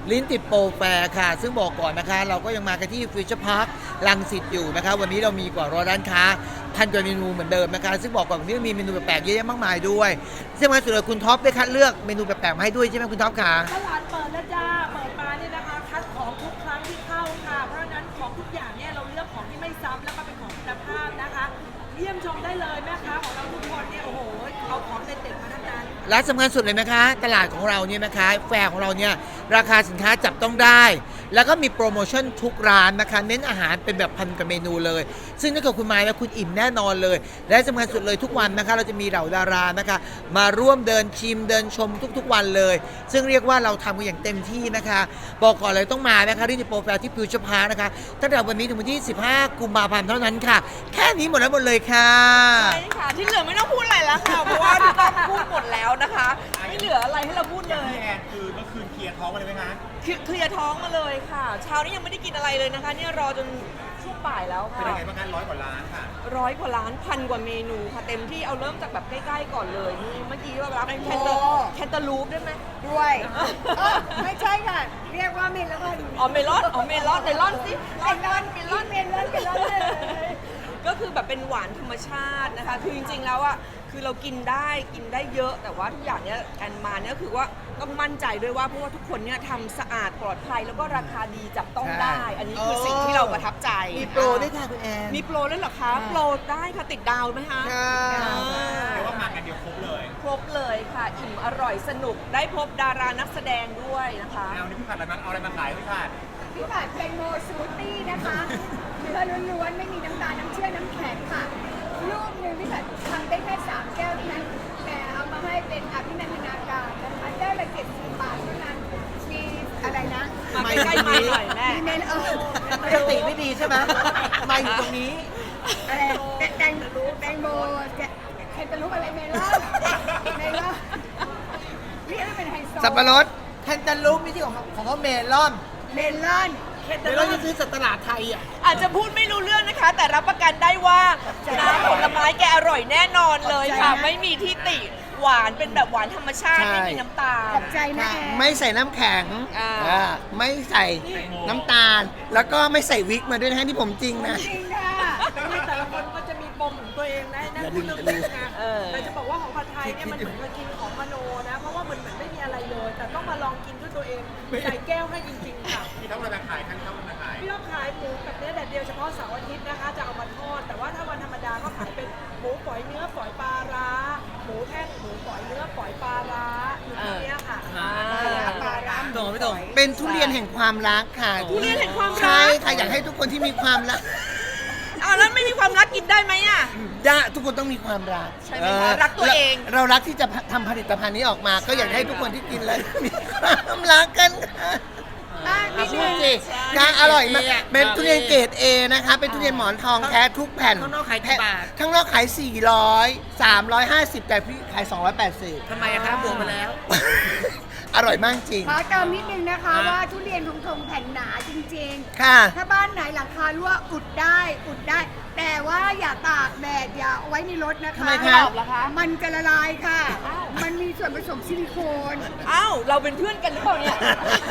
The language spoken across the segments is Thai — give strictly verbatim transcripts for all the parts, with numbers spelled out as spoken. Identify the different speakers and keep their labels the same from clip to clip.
Speaker 1: ลิ้นติดโปรแฟร์ค่ะซึ่งบอกก่อนนะคะเราก็ยังมากันที่ฟิวเจอร์พาร์ครังสิตอยู่นะคะวันนี้เรามีกว่าร้อยร้านค้าพันกว่าเมนูเหมือนเดิมนะคะซึ่งบอกก่อนวันนี้มีเมนูแปลกๆเยอะแยะมากมายด้วยซึ่งมาสุดเลยคุณท็อปได้คัดเลือกเมนูแปลกๆมาให้ด้วยใช่ไหมคุณท็อปคะ
Speaker 2: ตลาดเปิดแล้วจ้าเปิดมาเนี่ยนะคะคัดของทุกครั้งที่เข้าค่ะเพราะฉะนั้นของทุกอย่างเนี่ยเราเลือกของที่ไม่ซ้ำแล้วก็เป็นของคุณภาพนะคะเยี่ยมชมได้เลยแม่ค้าของเราทุกคนเนี่ยโอ้โหเอาของเด็ดๆมาทั้งนั้น
Speaker 1: และสำคัญสุดเลยนะคะตลาดของเราเนี่ยนะคะแฟร์ของเราเนี่ยราคาสินค้าจับต้องได้แล้วก็มีโปรโมชั่นทุกร้านนะคะเน้นอาหารเป็นแบบพันกับเมนูเลยซึ่งถ้าเกิดคุณมาแล้วคุณอิ่มแน่นอนเลยและสำคัญสุดเลยทุกวันนะคะเราจะมีเหล่าดารานะคะมาร่วมเดินชิมเดินชมทุกๆวันเลยซึ่งเรียกว่าเราทำกันอย่างเต็มที่นะคะบอกก่อนเลยต้องมานะคะที่โปรแฟร์ที่ฟิวเจอร์พาร์คนะคะตั้งแต่วันนี้ถึงวันที่สิบห้ากุมภาพันธ์เท่านั้นค่ะแค่นี้หมดแล้วหมดเลยค่ะ
Speaker 3: ใช่ค่ะที่เหลือไม่ต้องพูดอะไรแล้วค่ะเพราะว่าพี่ต้องพูดหมดแล้วนะคะไม่เหลืออะไรให้เราพูดเลย
Speaker 4: แอนคือเมื่อคืนเคลียร์ท้องมาเลยไหมคะ
Speaker 3: เคลียร์ท้องมาเลยค่ะเช้านี้ยังไม่ได้กินอะไรเลยนะคะเนี่ยรอจนช่วงบ่ายแล้วค่ะ
Speaker 4: เป็นยังไงบ้างคะร้อยกว่าล้านค่ะ
Speaker 3: ร้อยกว่าล้านพันกว่าเมนูค่ะเต็มที่เอาเริ่มจากแบบใกล้ๆก่อนเลยนี่เมื่อกี้ว่ารับแคนเตอร์แคนเตอร์ลูปได้ไหม
Speaker 2: ด้วยไม่ใช่ค่ะเรียกว่าเมลอน
Speaker 3: อ๋อเมลอนอ๋อเมลอนเมลอนสิ
Speaker 2: เมลอนเมลอนเมลอนเมลอนเลย
Speaker 3: ก็คือแบบเป็นหวานธรรมชาตินะคะคือจริงๆแล้วอ่ะคือเรากินได้กินได้เยอะแต่ว่าทุกอย่างเนี้ยกันมาเนี่ยคือว่าต้องมั่นใจด้วยว่าเพราะว่าทุกคนเนี่ยทำสะอาดปลอดภัยแล้วก็ราคาดีจับต้องได้อันนี้คือสิ่งที่เราประทับใจ
Speaker 1: มีโปรด้วยค่ะคุณแอน
Speaker 3: มีโปรด้วยเหรอคะโปรได้ค่ะติดดาวไหมคะ
Speaker 4: เรียกว่ามากันเดียวครบเลย
Speaker 3: ครบเลยค่ะอิ่มอร่อยสนุกได้พบดารานักแสดงด้วยนะคะ
Speaker 4: เอานี่พี่ผัดอะไรมาเอาอะไรมาขายพี่ผัด
Speaker 2: พี่ผัดเป็นโมซูตี้นะคะเนื้อล้วนๆไม่มีน้ำตาลน้ำเชื่อมน้ำแข็งค่ะลูกหนึ่งพี่ผัดทำได้แค่สามแก้วเท่านั้นแต่เอามาให้เป็นอภินันทนาการนะคะแก้วละเจ็ดสิบบาทเท่านั้นมีอะไรนะ
Speaker 3: มาใกล้ๆมาหน่อยแม่
Speaker 2: มีเมนเออ
Speaker 1: สติไม่ดีใช่ไหมมาอยู่ตรงนี้
Speaker 2: อะไรแตงแตงแตงโมแคนตาลูปอะไรเมลอนเมลอนเรียกว่าเป็นไฮโซ
Speaker 1: สับปะรดแคนตาลูปไม่ใช่ของของเขาเมลอน
Speaker 2: เมลอน
Speaker 1: เมลอนจะซื้อจากตลาดไทยอ่ะ
Speaker 3: อาจจะพูดไม่รู้เรื่องนะคะแต่รับประกันได้ว่าน้ำผลไม้แกอร่อยแน่นอนเลยค่ะไม่มีที่ติหวานเป็นแบบหวานธรรมชาติไม่มีน้ำตาล
Speaker 2: ขอบใจนะ
Speaker 1: ไม่ใส่น้ำแข็งไม่ใส่น้ำตาลแล้วก็ไม่ใส่วิกมาด้วยนะที่ผมจริงนะ
Speaker 2: จริงค่ะแต่ละคนก็จะมีปมของตัวเองนะนั่นคือเรื่องนึงนะแต่จะบอกว่าของผัดไทยเนี่ยมันเหมือนมากินของมโนนะเพราะว่ามันเหมือนไม่มีอะไรเลยแต่ต้องมาลองกินด้วยตัวเองใส่แก้วให้จริงๆค่ะ
Speaker 4: พี่ต้องมาขายขั้นเข้ามาขาย
Speaker 2: พี่ต้องขายหมูกับเนื้อแดดเดียวเฉพาะเสาร์อาทิตย์นะคะจะเอามาทอดแต่ว่าถ้าวันธรรมดาก็ขายเป็นหมูฝอยเนื้อฝอยปลาร้าหมูแท่งหมูฝอยเนื้อฝอยปลาร้าอยู่ที่นี้ค่ะปลาร้า
Speaker 1: ตรงไม่ตรงเป็นทุเรียนแห่งความรักค่ะ
Speaker 3: ทุเรียนแห่งความรัก
Speaker 1: ใช่ค่ะอยากให้ทุกคนที่มีความรัก
Speaker 3: อ้าวแล้วไม่มีความรักกินได้ไหมอ่ะ
Speaker 1: ได้ทุกคนต้องมีความรัก
Speaker 3: ใช่ไหมคะรักตัวเอง
Speaker 1: เรารักที่จะทำผลิตภัณฑ์นี้ออกมาก็อยากให้ทุกคนที่กินแล้วมีความรักกันค่ะพูดสินะอร่อยมากเป็นทุเรียนเกรด เอ นะคะเป็นทุเรียนหมอนทองแท้ทุกแผ่น
Speaker 5: ข้างนอกขายกี่บาท
Speaker 1: ข้างนอกขายสี่ร้อย สามร้อยห้าสิบแต่พี่ขายสองร้อยแปดสิบ
Speaker 5: ทำไมอะครับบวกมาแล้ว
Speaker 1: อร่อยมากจริง
Speaker 2: ขอเติมนิดนึงนะคะว่าทุเรียนทงทงแผ่นหนาจริง
Speaker 1: ๆค่ะ
Speaker 2: ถ้าบ้านไหนหลังคารั่วอุดได้อุดได้ แต่ว่าอย่าตากแดดอย่าเอาไว้ในรถนะคะ
Speaker 1: ทำไมคะ
Speaker 2: มันจะละลายค่ะมันมีส่วนผสมซิลิโคน
Speaker 3: อ้าวเราเป็นเพื่อนกันหรือเปล่าเนี่ย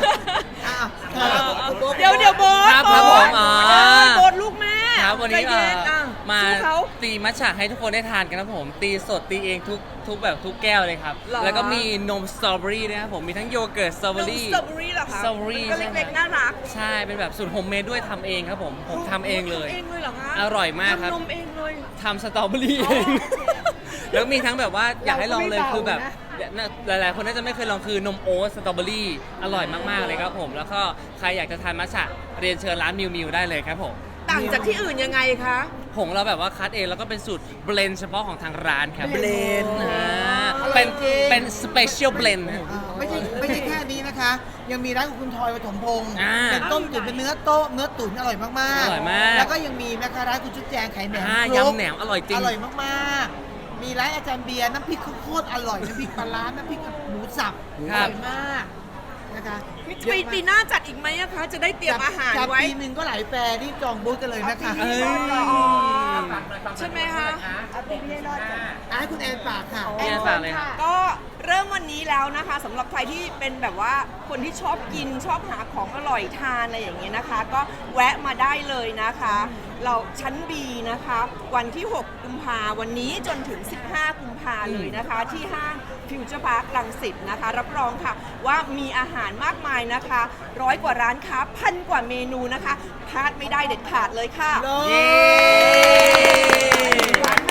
Speaker 1: เดี๋
Speaker 3: ยวเดี๋ยวโบ๊ท
Speaker 5: ครับผมอ๋อ
Speaker 3: โบ๊ทลูกแม่
Speaker 5: ครับวันนี้มาตีมัทฉะให้ทุกคนได้ทานกันนะผมตีสดตีเองทุกทุกแบบทุกแก้วเลยครับแล้วก็มีนมสตรอเบอรี่นะครับผมมีทั้งโยเกิร์ตสตรอเบอรี่
Speaker 3: นมสตรอเบอรี่เหรอคะ
Speaker 5: สตรอเบอรี่
Speaker 3: เล็กๆน่ารัก
Speaker 5: ใช่เป็นแบบสูตรโฮมเมดด้วยทำเองครับผมผมทำเองเลย
Speaker 3: เองเลยเหรอคะ
Speaker 5: อร่อยมากครับ
Speaker 3: ทำนมเองเลย
Speaker 5: ทำสตรอเบอรี่เองแล้วมีทั้งแบบว่าอยากให้ลองเลยคือแบบหลายๆคนน่าจะไม่เคยลองคือนมโอ๊ตสตรอเบอรี่อร่อยมากๆเลยครับผมแล้วก็ใครอยากจะทานมัทฉะเรียนเชิญร้านมิวมิวได้เลยครับผม
Speaker 3: ต่างจากที่อื่นยังไงคะ
Speaker 5: ผงเราแบบว่าคัดเองแล้วก็เป็นสูตรเบลนด์เฉพาะของทางร้านครับ
Speaker 1: เบลนด์
Speaker 5: เป็นเป็นสเปเชียลเบลนด์
Speaker 1: ไม่ใช่ไม่ใช่แค่นี้นะคะยังมีร้านของคุณทอยปฐมพงศ์เป็นต้มตุ๋นเป็นเนื้อโต๊ะเนื้อตุ๋นอร่อยมากๆ
Speaker 5: อร่อยมาก
Speaker 1: แล้วก็ยังมีนะคะร้านคุณชุดแจงไข่แหนม
Speaker 5: ยำแหนมอร่อยจริง
Speaker 1: อร่อยมากๆมีร้านอาจารย์เบียร์น้ำพริกข้าวโพดอร่อยน้ำพริกปลาร้าน้ำพริกหมูสับอร่อยมากนะคะ
Speaker 3: ปีปีหน้าจัดอีกไหมคะจะได้เตรียมอาหารไว้
Speaker 1: ปีหนึ่งก็หลายแฟร์ที่จองบูธกันเลยนะคะ
Speaker 3: ใช่ไหมคะ
Speaker 2: ปีนี้รอด
Speaker 1: ให้คุณแอนฝากค่ะ
Speaker 5: แอนฝากเลยค่ะ
Speaker 3: ก็เริ่มวันวันนี้แล้วนะคะสำหรับใครที่เป็นแบบว่าคนที่ชอบกินชอบหาของอร่อยทานอะไรอย่างเงี้ยนะคะ ก็แวะมาได้เลยนะคะ เราชั้น B นะคะ วันที่ หก กุมภาวันนี้จนถึง สิบห้า กุมภาเลยนะคะ ที่ห้างฟิวเจอร์พาร์ครังสิตนะคะ รับรองค่ะว่ามีอาหารมากมายนะคะร้อยกว่าร้านค้าพันกว่าเมนูนะคะพลาดไม่ได้เด็ดขาดเลยค่ะ
Speaker 1: เย้